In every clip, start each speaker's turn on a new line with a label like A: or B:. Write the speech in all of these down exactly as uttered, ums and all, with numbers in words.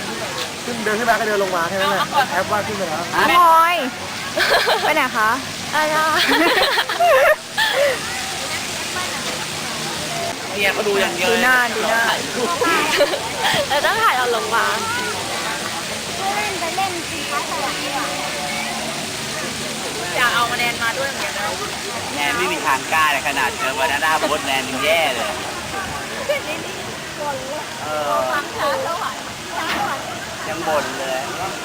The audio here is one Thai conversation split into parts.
A: ขึ้นเดินขึ้นมาก็เดินลงมาแค่นั้นแหละแอปว่าขึ้นไปแล้ว
B: พลอยไปไหนคะ
C: อะไร
D: เนี่ยเขาดูอย่างเดียว
B: ดูหน้าดูหน้า
C: เราต้องถ่ายเราลงมา
E: เล่นไปเล่นสินค้าสวรรค์ดีกว่า
C: อยากเอาคะแนนมาด้วยเหมือนกันนะ
D: แนนไม่มีทางกล้าเลยขนาดเจอวันนั้นโบสแนนยังแย่เลยเออ
E: ฟังช้าสวรรค์ช้าสวรรค์
D: ยังบ่นเลย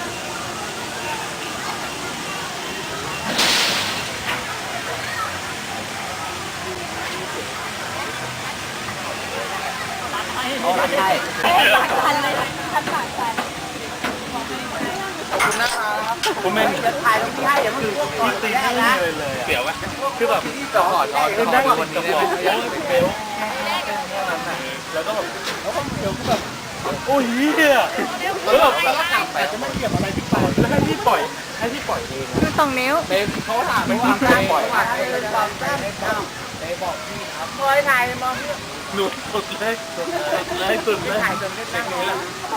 D: โอ้ใช่
E: หลักพันเลยพันหลักพัน
A: ขอบคุณนะครับผมเป็น
D: จะถ่ายตรงที่ให้เดี๋ยวมันพวกก่อน
A: ตี
D: ได้
A: นี่
D: นะ
A: เลยเลย
D: เสียวไหม
A: คือแบบที่จอดรอขึ้นได้วันนี้เลยโอ้ยเบลแล้วก็แบบแล้วก็เบลก็แบบโอ้ยเฮียแล้วแบบแต่จะไม่เกี่ยวอะไรพี่ปล่อยแล้วให้พี่ปล่อยให้พี่ปล่อยเอง
B: คือสองนิ้ว
A: เบลเขาถามไม่ว่าใครปล่อยให้เลยตามแก้ไม่เข้าเบลบอกพี่ครับ
C: พลอยถ่ายมอง
A: หนุดสุดเลยสุดเลยสุดเลยถ่ายจนได้เช็คนี้แล้ว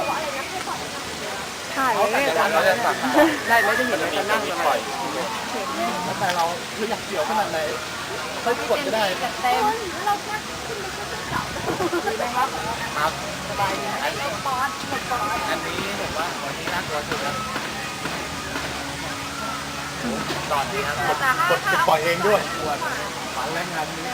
B: ถ่าย
A: เขา
B: เล
A: แต่
B: ย
A: จะเราจะสั่งได้ไม่ได้เห็นเลยจะนั่งจะปล่อยแล้วแต่เราคืออยากเกี่ยวขนาดไหนค่อยกดก็ได้
E: เต็มเราแค่ขึ้นไปแค่เสา
A: ครับสบายดีอันนี้
E: ปอนด์หมดปอนด์
A: อันนี้ผมว่าวันนี้น่ากลัวสุดแล้วตอนนี้ครับกดกดกดปล่อยเองด้วยฝันแรงงานนี้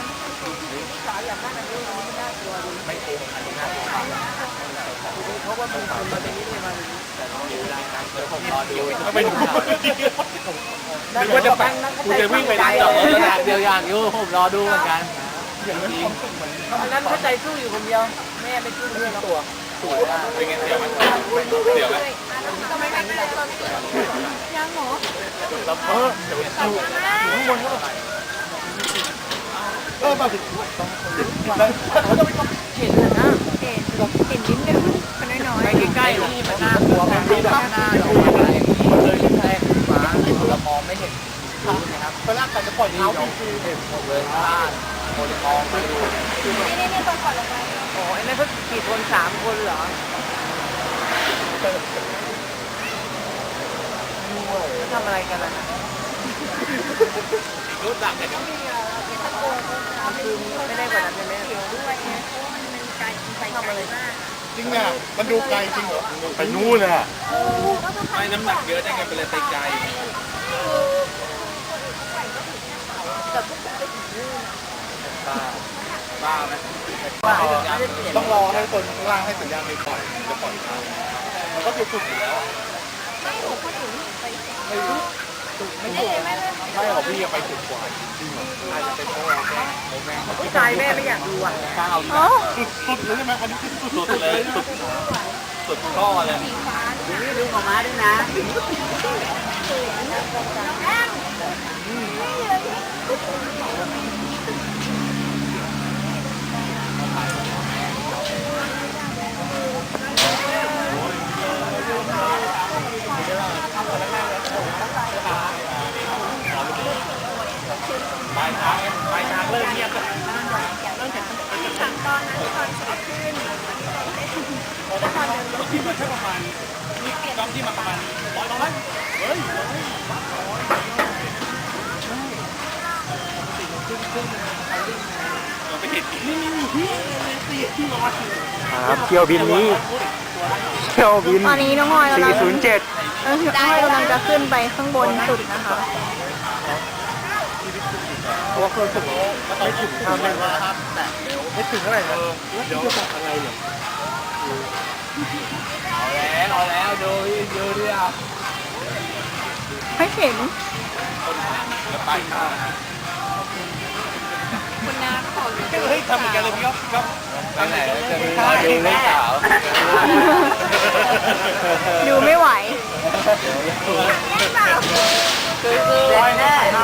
A: ไม่โกงอันนี้น่ากลัวเพราะว่ามีคนมาในนี้เลยมาแต่เราอยู่รายการเดี๋ยวผมรอดูก็ไปดูนึกว่าจะไปกูจะวิ่งไปได้หรอเดียวอย่างอยู่ผมรอดูเหมือนกันอันนั้นเข้าใจสู้อยู่คนเดียวแม่ไปสู้เรื่องตัวสวยมากเป็นไงเสียวไหมเสียวไหม
E: ทำไมไม่ได้ตอนยังหรอ
A: แล้วเออเดี๋ยวดูข้างบนก็เออมาถึงต้องแล้วเขาจะไปต้อง
B: เห็นนะเห็นเห็นนิดนึงมันน้อย
A: ไปใกล้ๆนี่มันน่ากลัวมันมีแบบหน้าออกมาอะไรอย่างนี้เลยแทงฟ้าเรามองไม่เห็นนะครับเวลาการจะปล่อยเท้าคือเห็นหมดเลยบ้านคนมองไม่ดู
E: นี่นี่นี่ตอนก่อนลงไป
C: โอ้ยนั่นเขากี่คนสามคนเหรอ ทำอะไรกันล่ะ
D: รู้จักกัน
C: คือไม่ได้กว่านั้นใช่ไหม
E: ด้วยไงเพราะมันเป็นการไปทำอะไรมาก
A: จริงอ่ะมันดูไกลจริงเหรอไปนู่นเลยอ่ะ
D: ไม่น้ำหนักเยอะได้ไงเป็นเลยไปไกล
E: แต่พวกผมไปถึงนู่น
A: บ้า
D: บ้าไหม
A: บ้าต้องรอให้คนข้างล่างให้สัญญาณไปปล่อยจะปล่อยเขามันก็คือฝึกอยู่แล้ว
E: ไม่หนูคนอื่นไป
A: ไม่รู้ไม่ถูกไม่หรอกพี่ยังไปถึงกว่าจริงเหรออาจจะเป็นเพราะว่าแม่แม่
C: ผู้ชายแม่ไม่อยากดูอ่ะ
A: ข้าวสุดสุดเลยใช่ไหมอันนี้คือสุดเลยสุดสุดข้อเลย
C: นี่ดูของม้าด้วยนะ
A: ปลายทางปลายทางเริ่มเงียบแล้ว
E: สั่งตอนนั้นตอนสอบขึ้น
A: ที่มันแค่ประมาณนี่กองที่มาประมาณร้อยร้อยเฮ้ยเราไปเห็นนี่นี่นี่ที่ร้อยครับเที่ยวบินนี้เที่ยวบิน
B: ตอนนี้น้องพลอยกำลัง
A: สี่ศูนย์เจ็ด
B: น้องพลอยกำลังจะขึ้นไปข้างบนสุดนะคะ
A: ตัวเคยฝึกไม่ถึงทำเลยนะครับแต่ไม่ถึงเท่าไหร่นะเดี๋ยวจะอะไรเนี่ย
D: เอาแล้วเอาแล้วดูดูดิอ่ะ
B: ไม่เห็น
D: ไปข้าว
C: คุณน้าก็ขอดู
A: เฮ้ยทำเหมือนกันเลยพี่ครับครับ
D: ไปไหนจะมีรอดูลูกสาว
B: ดูไม่ไหว
A: ร้อยแน่เ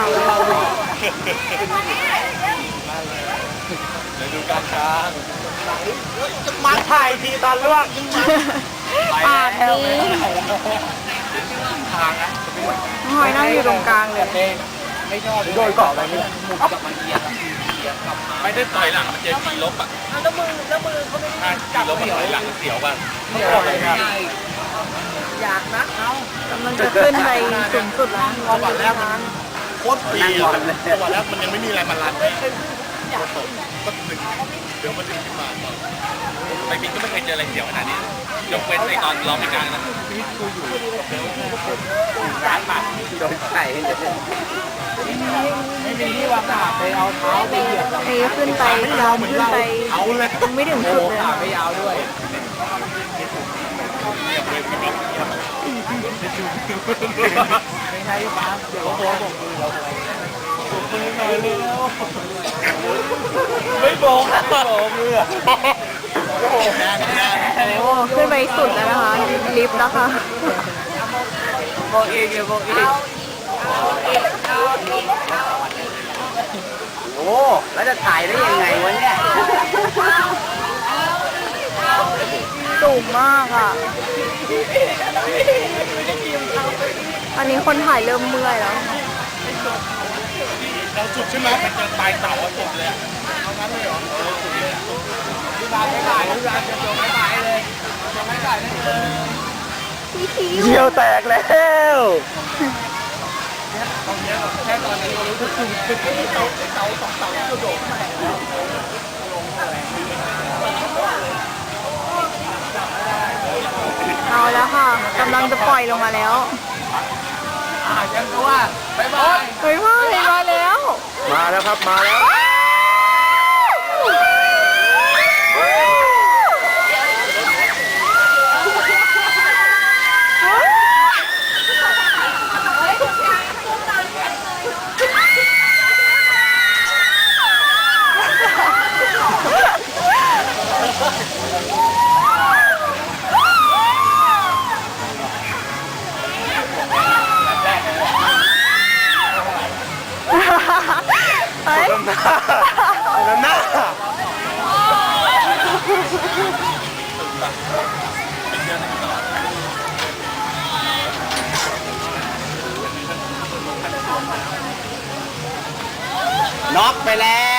D: ดี๋ยวดูการช้าง
A: จะมาถ่ายทีตอนลวก
B: ปากนี้
A: ทางนะ
B: น้องพลอยนั่งอยู่ตรงกลางเลย
A: ไม่ชอบโดยเกาะอะไรนี่
D: หมุนกับมันเอียงเอียงกลับมาไม่ได้ต่อยหลังมันเจอขี่ลบอ่ะ
C: เอาแล้วมือแล้วมือเขาไม่ได้
D: ขี่ลบมันต่อยหลังเสียวป่ะ
A: ไม่ชอบอะไรครับอยากนักเอา
B: กำลังจะขึ้นไปสูงสุดแล้ว
A: จังหวะแรกมันโคตรปีอ่ะจังหวะแรกมันยังไม่มีอะไรมาลันเลยก็ตกก็ดึงเดี๋ยวมันดึงขึ้นมาไปบินก็ไม่เคยเจออะไรเสียวขนาดนี้ยกเว้นในตอนร้องในกลางนะชีวิตกูอยู่ร้านบาทโดนไข่ไม่มีที่วางขาไปเอาเท้าไปเหยียบ
B: เทขึ้นไปยาวขึ้นไป
A: เอาเลย
B: ยังไม่ถึงสุดเลย
A: ขาไม่ยาวด้วยไม่ใช่ฟ้าเดี๋ยวโบกมือเราโบกมือหน่อยเร็วไม่โบกไม่โบกมือโอ้โห
B: ขึ้นไปสุดแล้วนะคะลิฟต์นะคะ
A: โบกอีกเดี๋ยวโบกอีกโอ้แล้วจะถ่ายได้ยังไงวะเนี่ย
B: สูงมากอ่ะอันนี้คนถ่ายเริ่มเมื่อยแล้ว
A: เราจุดใช่ไหมมันจะตายเต่าจุดเลยเอางั้นเลยเหรอเออจุดเลยพี่บาไม่ถ่ายพี่บาจะโดนไม่ถ่ายเลยจะไม่ถ่ายได้เลย
B: พี่คิว
A: เยี่ยวแตกแล้วตอนนี้แค่ตอนนี้เรารู้สึกคือคือที่เต่าเต่าสองเต่าที่กระโดดมา
B: เอาแล้วค่ะกำลังจะปล่อยลงมาแล้ว
A: อ่ายังก็ว่าบายบาย
B: เฮ้ยพ่อเห็นมาแล้ว
A: มาแล้วครับมาแล้ว
B: เฮ้ย
A: น้ำหน้าน้ำหน้าน็อกไปแล้ว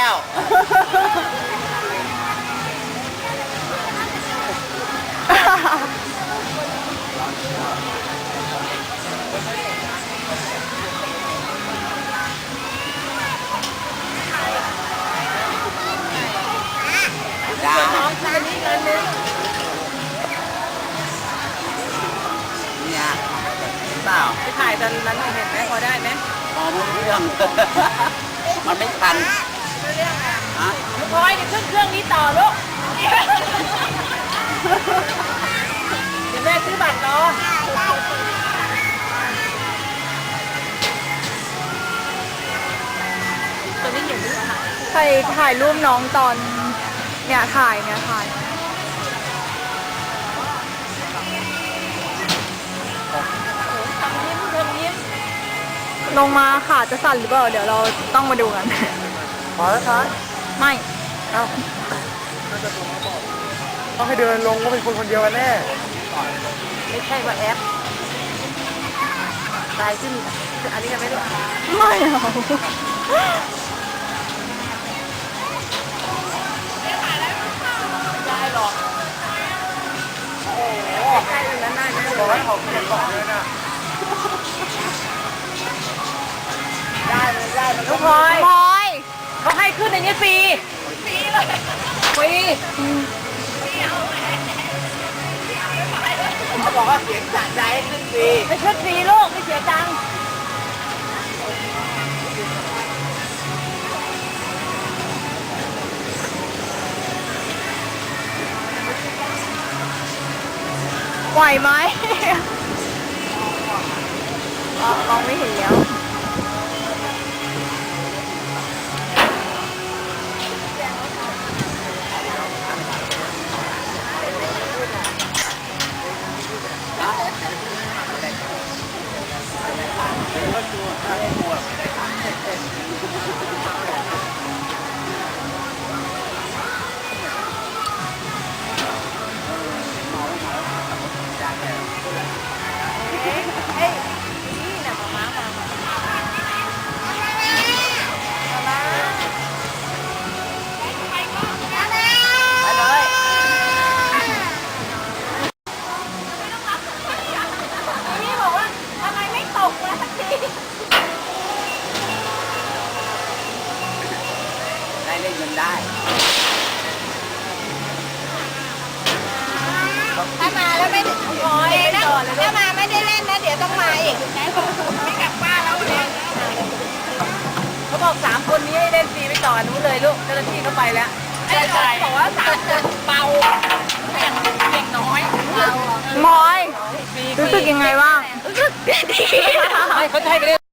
C: น้องชายนี่เงินนึง
D: เนี่ยเปล่า
C: ไปถ่ายตอนนั้นเห็นไหมพอได้ไหม
D: มองไม่รู้เรื่อง มันไม่ทัน
C: ไม่เรื่องอ่ะ
D: ฮะ
C: ลูกพลอยเดี๋ยวขึ้นเครื่องนี้ต่อลูกเดี๋ยวแม่ซื้อบัตรรอตัวนี้เห็นไหมคะ
B: ใครถ่ายรูปน้องตอนเนี่ยถ่ายเนี่ยถ่าย
C: ทำยิ้มทำยิ้ม
B: ลงมาขาจะสั่นหรือเปล่าเดี๋ยวเราต้องมาดูกัน
A: พอแล้วครับ
B: ไม่
A: เอ้าต้องให้เดินลงก็เป็นคนคนเดียวกันแน่
C: ไม่ใช่ว่าแอปตายขึ้นอันนี้จะไม่ได้
B: ไม่เอา
C: ได้หรอกโอ้ใกล้ๆนั้นน่าจะ
A: บอกให้เขาเขียนบอกเลยนะได้เลยได้เลย
C: ลูกพลอย
B: พลอย
C: เขาให้ขึ้นในนี้ฟรีฟรีเลยฟรี
A: เขาบอกว่าเสียงสะใจให้ขึ้นดี
C: ไม่ขึ้นฟรีลูกไม่เสียตังค์
B: ไหวไหมอ๋อมองไม่เห็นแล้ว
D: ได้
C: ถ้ามาแล้วไม่พอยนะถ้ามาไม่ได้เล่นนะเดี๋ยวต้องมาอีกไม่กลับบ้านแล้วเนี่ยเขาบอกสามคนนี้ให้เล่นฟรีไปต่อนู้นเลยลูกเจ้าหน้าที่เขาไปแล้วใช่ใช่บอกว่าสามคนเบาแข่งเก่งน้อยเบาม
B: อยรู้สึกยังไงบ้าง
C: รู้สึกดี
A: ไม่เขาจะให้ไปเล่น